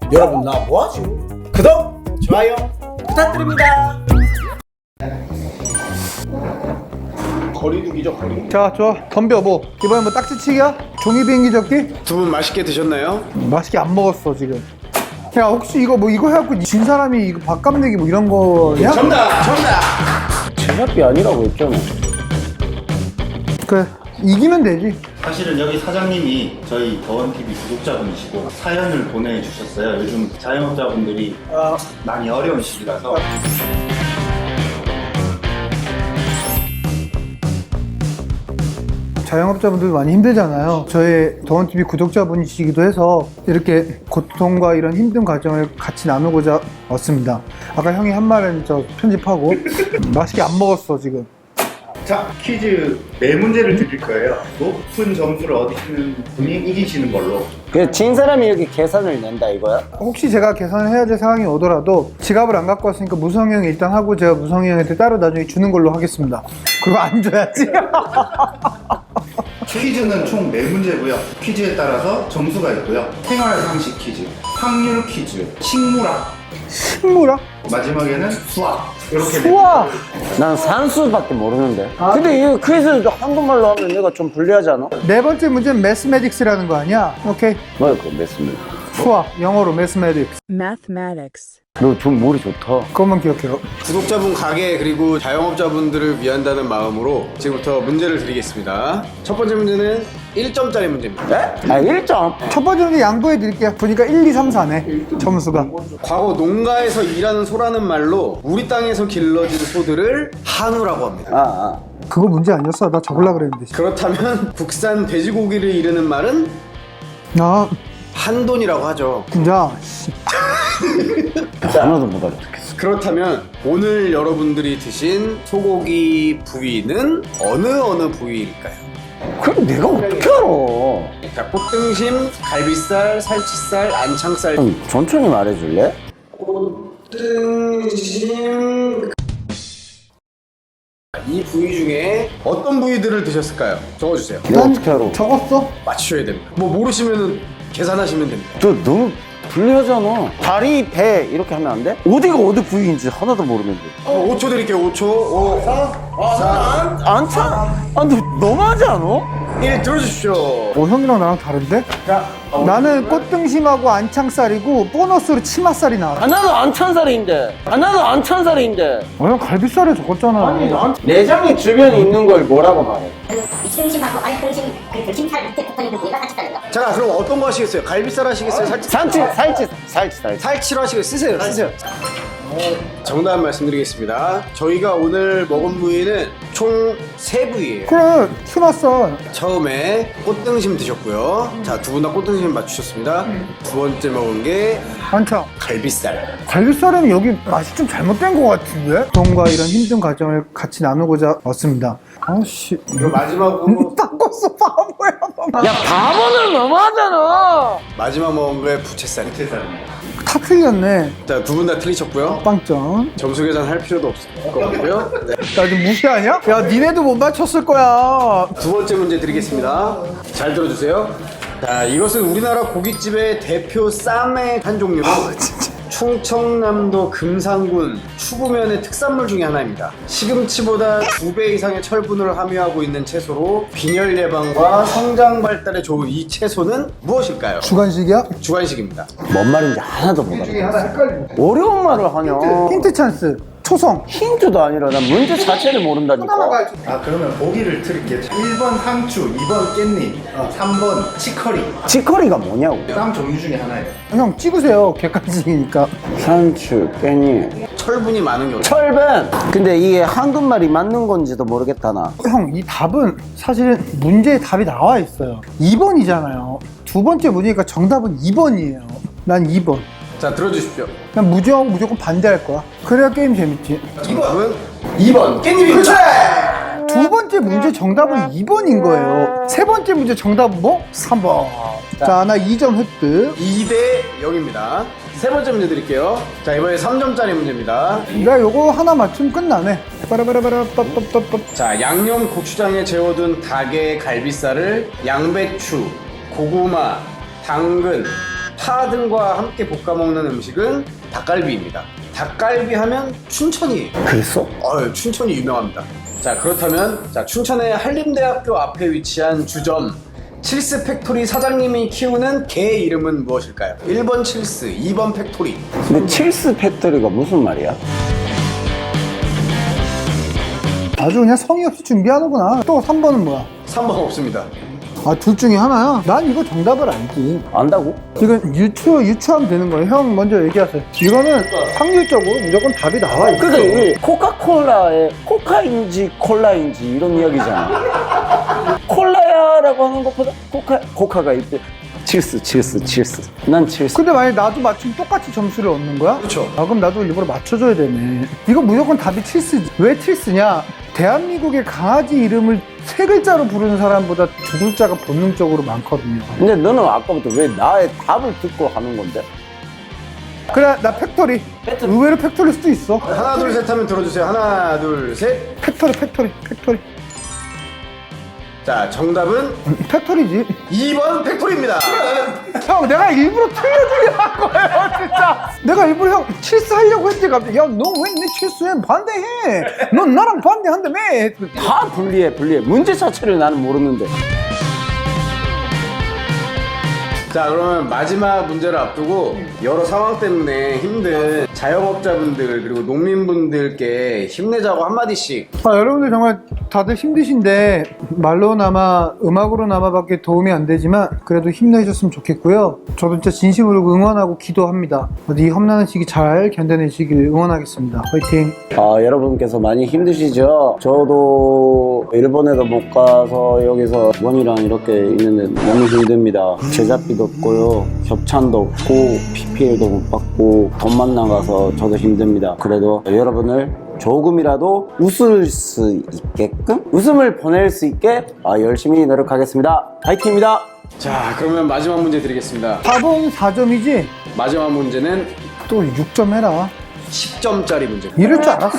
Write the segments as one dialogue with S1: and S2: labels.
S1: 여러분 나 뭐하죠? 구독, 좋아요 부탁드립니다.
S2: 거리두기죠, 거리.
S3: 자, 좋아. 덤벼. 뭐 이번에 뭐 딱지치기야? 종이 비행기 접기?
S2: 두 분 맛있게 드셨나요?
S3: 맛있게 안 먹었어 지금. 야, 혹시 이거 뭐 이거 해갖고 진 사람이 이거 밥값 내기 뭐 이런 거냐?
S2: 정답!
S4: 제작비 아니라고 했잖아.
S3: 그래, 이기면 되지.
S5: 사실은 여기 사장님이 저희 더원TV 구독자분이시고 사연을 보내주셨어요. 요즘 자영업자분들이 많이 어려운 시기라서.
S3: 자영업자분들 많이 힘들잖아요. 저희 더원TV 구독자분이시기도 해서 이렇게 고통과 이런 힘든 과정을 같이 나누고자 왔습니다. 아까 형이 한 말은 저 편집하고 맛있게 안 먹었어 지금.
S5: 자, 퀴즈 네 문제를 드릴 거예요. 높은 점수를 얻으시는 분이 이기시는 걸로.
S4: 그래서 진 사람이 이렇게 계산을 낸다 이거야?
S3: 혹시 제가 계산을 해야 될 상황이 오더라도 지갑을 안 갖고 왔으니까 무성이 형이 일단 하고 제가 무성이 형한테 따로 나중에 주는 걸로 하겠습니다. 그거 안 줘야지.
S5: 퀴즈는 총 네 문제고요. 퀴즈에 따라서 점수가 있고요. 생활 상식 퀴즈, 확률 퀴즈, 식물학,
S3: 식물아?
S5: 마지막에는 수학. 이렇게 네
S3: 우와!
S4: 난 산수밖에 모르는데. 근데 이 퀴즈 한국말로 하면 내가 좀 불리하지 않아?
S3: 네 번째 문제는 매스매딕스라는 거 아니야? 오케이.
S4: 뭐야 그거 mes입니다.
S3: 수학, 영어로 매스매딕스.
S6: Mathematics.
S4: 너 좀 머리 좋다.
S3: 그것만 기억해요.
S2: 구독자분 가게 그리고 자영업자분들을 위한다는 마음으로 지금부터 문제를 드리겠습니다. 첫 번째 문제는 1점짜리 문제입니다.
S4: 네? 아 1점.
S3: 첫 번째 문제 양보해 드릴게요. 보니까 1, 2, 3, 4네. 점수가.
S2: 과거 농가에서 일하는 소라는 말로 우리 땅에서 길러진 소들을 한우라고 합니다.
S4: 아.
S3: 그거 문제 아니었어? 나 적으려고 그랬는데.
S2: 그렇다면 국산 돼지고기를 이르는 말은
S3: 아,
S2: 한돈이라고 하죠.
S3: 진짜. 씨.
S4: 하나도 못 알아듣겠어.
S2: 그렇다면 오늘 여러분들이 드신 소고기 부위는 어느 부위일까요?
S4: 그럼 내가 어떻게 알아?
S2: 자, 꽃등심, 갈비살, 살치살, 안창살.
S4: 좀 천천히 말해줄래?
S2: 꽃등심. 이 부위 중에 어떤 부위들을 드셨을까요? 적어주세요.
S4: 내가 어떻게 알아?
S3: 적었어?
S2: 맞추셔야 됩니다. 뭐 모르시면 계산하시면 됩니다.
S4: 저 너무 불리하잖아. 다리, 배 이렇게 하면 안 돼? 어디가 어디 부위인지 하나도 모르는데.
S2: 5초 드릴게요. 5초. 5, 4,
S4: 안 차? 아, 너 너무하지 않아?
S2: 1 들어주십시오.
S3: 형이랑 나랑 다른데? 나는 꽃등심하고 안창살이고 보너스로 치맛살이 나와.
S4: 하나도 안 찬살인데. 하나도 안 찬살인데.
S3: 형 갈비살에 적었잖아.
S4: 내장이 주변에 있는 걸 뭐라고 말해?
S7: 윗등심하고 아랫등심 그 등심살 밑에 붙어있는 그 부위가 같이 다른 거.
S2: 자, 그럼 어떤 거 하시겠어요? 갈비살 하시겠어요? 살치?
S4: 살치.
S2: 살치로 하시겠어요? 쓰세요. 정답 말씀드리겠습니다. 저희가 오늘 먹은 부위는 총 3부위예요.
S3: 그래, 치맛살.
S2: 처음에 꽃등심 드셨고요. 자, 두 분 다 꽃등심 맞추셨습니다. 두 번째 먹은 게
S3: 안창.
S2: 갈비살.
S3: 갈비살은 여기 맛이 좀 잘못된 것 같은데? 고통과 이런 힘든 과정을 같이 나누고자 왔습니다. 아씨.
S2: 그리고 마지막으로
S3: 닦았어, 바보야.
S4: 야, 바보는 너무하잖아.
S2: 마지막 먹은 게 부채살.
S3: 다 틀렸네.
S2: 자, 두 분 다 틀리셨고요.
S3: 빵점.
S2: 점수 계산 할 필요도 없을 것 같고요. 네.
S3: 나 지금 무시하냐? 야, 니네도 못 맞췄을 거야.
S2: 두 번째 문제 드리겠습니다. 잘 들어주세요. 자, 이것은 우리나라 고깃집의 대표 쌈의 한 종류. 충청남도 금산군 추구면의 특산물 중에 하나입니다. 시금치보다 2배 이상의 철분을 함유하고 있는 채소로 빈혈 예방과 성장 발달에 좋은 이 채소는 무엇일까요?
S3: 주간식이야?
S2: 주간식입니다.
S4: 뭔 말인지 하나도 못 알아. 어려운 말을 하냐?
S3: 힌트 찬스. 초성.
S4: 힌트도 아니라 난 문제 자체를 모른다니까.
S5: 아, 그러면 보기를 드릴게요. 1번 상추, 2번 깻잎, 3번 치커리.
S4: 치커리가 뭐냐고.
S5: 쌈 종류 중에 하나예요.
S3: 형 찍으세요. 객관식이니까.
S4: 산추, 깻잎,
S2: 철분이 많은 경우.
S4: 철분. 근데 이게 한국말이 맞는 건지도 모르겠다 나.
S3: 형, 이 답은 사실은 문제에 답이 나와 있어요. 2번이잖아요. 두 번째 문제니까 정답은 2번이에요. 난 2번.
S2: 자, 들어주십시오.
S3: 난 무조건 반대할 거야. 그래야 게임 재밌지.
S2: 정답은 2번 깻잎입니다.
S3: 두 번째 문제 정답은 2번인 거예요. 세 번째 문제 정답은 뭐? 3번. 자, 나 2점 획득.
S2: 2대 0입니다. 세 번째 문제 드릴게요. 자, 이번에 3점짜리 문제입니다.
S3: 내가 요거 하나 맞추면 끝나네. 빠라바라바라 빠빠빠빠.
S2: 자, 양념 고추장에 재워둔 닭의 갈비살을 양배추, 고구마, 당근, 파 등과 함께 볶아 먹는 음식은 닭갈비입니다. 닭갈비 하면 춘천이에요.
S4: 그랬어?
S2: 춘천이 유명합니다. 자, 그렇다면 춘천의 한림대학교 앞에 위치한 주점 칠스 팩토리 사장님이 키우는 개 이름은 무엇일까요? 1번 칠스, 2번 팩토리.
S4: 근데 칠스 팩토리가 무슨 말이야?
S3: 아주 그냥 성의 없이 준비하는구나. 또 3번은 뭐야?
S2: 3번 없습니다.
S3: 아, 둘 중에 하나야? 난 이거 정답을 알지.
S4: 안다고?
S3: 이건 유추하면 되는 거예요. 형 먼저 얘기하세요. 이거는 확률적으로 무조건 답이 나와. 이거.
S4: 그러니까 우리 코카콜라의 코카인지 콜라인지 이런 이야기잖아. 콜라야라고 하는 것보다 코카가 있대. 칠스. 난 칠스.
S3: 근데 만약에 나도 맞추면 똑같이 점수를 얻는 거야?
S2: 그렇죠.
S3: 아, 그럼 나도 일부러 맞춰줘야 되네. 이거 무조건 답이 칠스지. 왜 칠스냐? 대한민국의 강아지 이름을 3글자로 부르는 사람보다 2글자가 본능적으로 많거든요.
S4: 근데 너는 아까부터 왜 나의 답을 듣고 하는 건데?
S3: 그래, 나 팩토리. 의외로 팩토리일 수도 있어.
S2: 하나 둘 셋 하면 들어주세요. 하나 둘 셋.
S3: 팩토리.
S2: 자, 정답은
S3: 팩토리지.
S2: 2번 팩토리입니다.
S3: 형, 내가 일부러 틀려주게 한 거예요, 진짜. 내가 일부러 형 칠스 하려고 했지, 갑자기. 야, 너 왜 내 칠스에 반대해? 넌 나랑 반대한다며.
S4: 다 불리해. 문제 자체를 나는 모르는데.
S2: 자, 그러면 마지막 문제를 앞두고 여러 상황 때문에 힘든 자영업자분들 그리고 농민분들께 힘내자고 한마디씩.
S3: 여러분들 정말 다들 힘드신데 말로나마 음악으로나마밖에 도움이 안 되지만 그래도 힘내셨으면 좋겠고요. 저도 진짜 진심으로 응원하고 기도합니다. 이 험난한 시기 잘 견뎌내시길 응원하겠습니다. 화이팅!
S4: 여러분께서 많이 힘드시죠? 저도 일본에도 못 가서 여기서 원이랑 이렇게 있는데 너무 힘듭니다. 제작비도 없고요, 협찬도 없고, PPL도 못 받고, 돈만 나가서 저도 힘듭니다. 그래도 여러분을 조금이라도 웃을 수 있게끔, 웃음을 보낼 수 있게 열심히 노력하겠습니다. 파이팅입니다.
S2: 자, 그러면 마지막 문제 드리겠습니다.
S3: 답은 4점이지?
S2: 마지막 문제는
S3: 또 6점 해라.
S2: 10점짜리 문제입니다.
S3: 이럴 줄 알았어.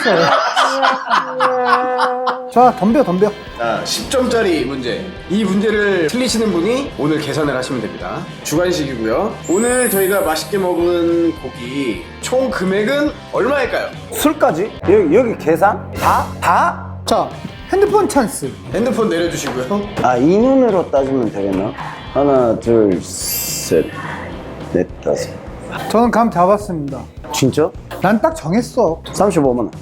S3: 자, 덤벼.
S2: 자, 10점짜리 문제. 이 문제를 틀리시는 분이 오늘 계산을 하시면 됩니다. 주관식이고요. 오늘 저희가 맛있게 먹은 고기 총 금액은 얼마일까요?
S4: 술까지? 여기 계산? 다?
S3: 자, 핸드폰 찬스.
S2: 핸드폰 내려주시고요.
S4: 이 눈으로 따지면 되겠나? 하나, 둘, 셋, 넷, 다섯.
S3: 저는 감 잡았습니다.
S4: 진짜?
S3: 난 딱 정했어.
S4: 35만 원.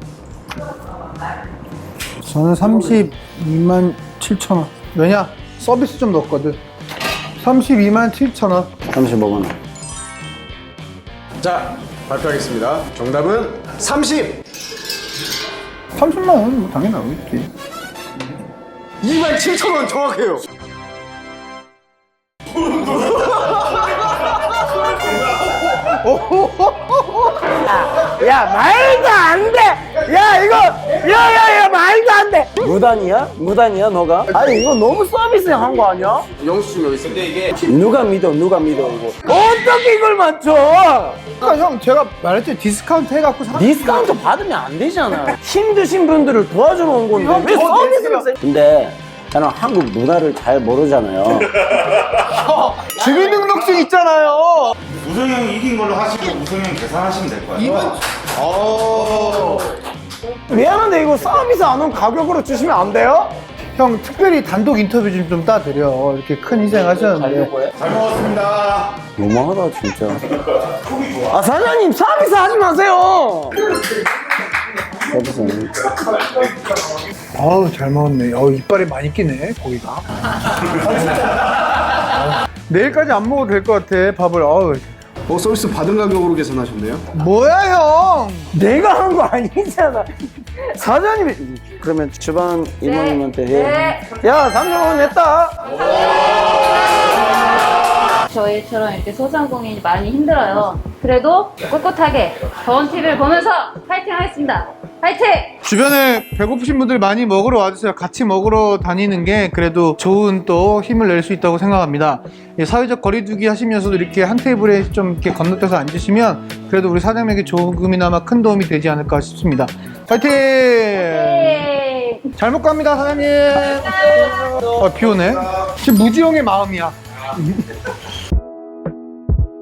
S3: 저는 32만 7천 원. 왜냐? 서비스 좀 넣었거든. 32만 7천 원.
S4: 35만 원.
S2: 자, 발표하겠습니다. 정답은
S3: 30만 원, 뭐 당연히 나오겠지.
S2: 27,000원 정확해요.
S4: 야, 말도 안 돼! 야, 이거! 야, 말도 안 돼! 무단이야, 너가? 아니, 이거 너무 서비스 한 거 아니야?
S2: 영수증 여기 있습니다. 이게
S4: 누가 믿어, 이거. 어떻게 이걸 맞춰?
S3: 그러니까 형, 제가 말했죠. 디스카운트 해갖고
S4: 디스카운트 받으면 안 되잖아. 힘드신 분들을 도와주러 온 건데. 왜 서비스를 세? 근데, 저는 한국 문화를 잘 모르잖아요.
S3: 주민등록증 있잖아요.
S5: 우성이 형이 이긴 걸로 하시고 우성이 형 계산하시면 될 거예요.
S4: 미안한데, 이거 서비스 안 온 가격으로 주시면 안 돼요?
S3: 형, 특별히 단독 인터뷰 좀 따드려. 이렇게 큰 희생하셨는데.
S5: 잘 먹었습니다.
S4: 너무하다, 진짜. 사장님, 서비스 하지 마세요! 서비스.
S3: 아우, 잘 먹었네. 이빨에 많이 끼네, 고기가. 내일까지 안 먹어도 될 것 같아, 밥을.
S2: 서비스 받은 가격으로 계산하셨네요.
S3: 뭐야, 형?
S4: 내가 한 거 아니잖아. 사장님이. 그러면 주방 이모님한테 해. 야, 30만 원 냈다.
S6: 저희처럼 이렇게 소상공인이 많이 힘들어요. 그래도 꿋꿋하게 더원TV를 보면서 파이팅 하겠습니다. 파이팅!
S3: 주변에 배고프신 분들 많이 먹으러 와주세요. 같이 먹으러 다니는 게 그래도 좋은 또 힘을 낼 수 있다고 생각합니다. 사회적 거리두기 하시면서도 이렇게 한 테이블에 좀 이렇게 건너뛰어서 앉으시면 그래도 우리 사장님에게 조금이나마 큰 도움이 되지 않을까 싶습니다. 파이팅!
S6: 네.
S3: 잘 먹고 갑니다, 사장님. 비 오네. 지금 무지용의 마음이야.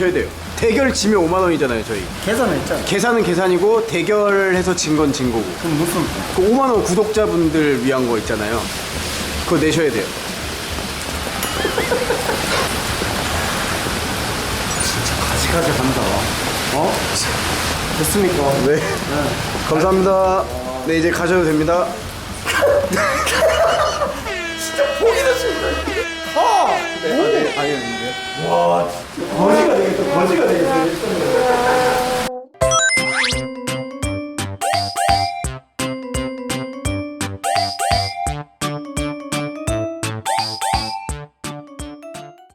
S2: 내셔야 돼요. 대결 지면 5만 원이잖아요, 저희.
S1: 계산했잖아.
S2: 계산은 계산이고 대결해서 진 건 진 거고.
S1: 그럼 무슨
S2: 그 5만 원 구독자분들 위한 거 있잖아요. 그거 내셔야 돼요.
S1: 가지가지 한다. 어? 됐습니까?
S2: 네. 감사합니다. 네, 이제 가셔도 됩니다.
S1: 거지가 되겠다. 거지가 되겠어.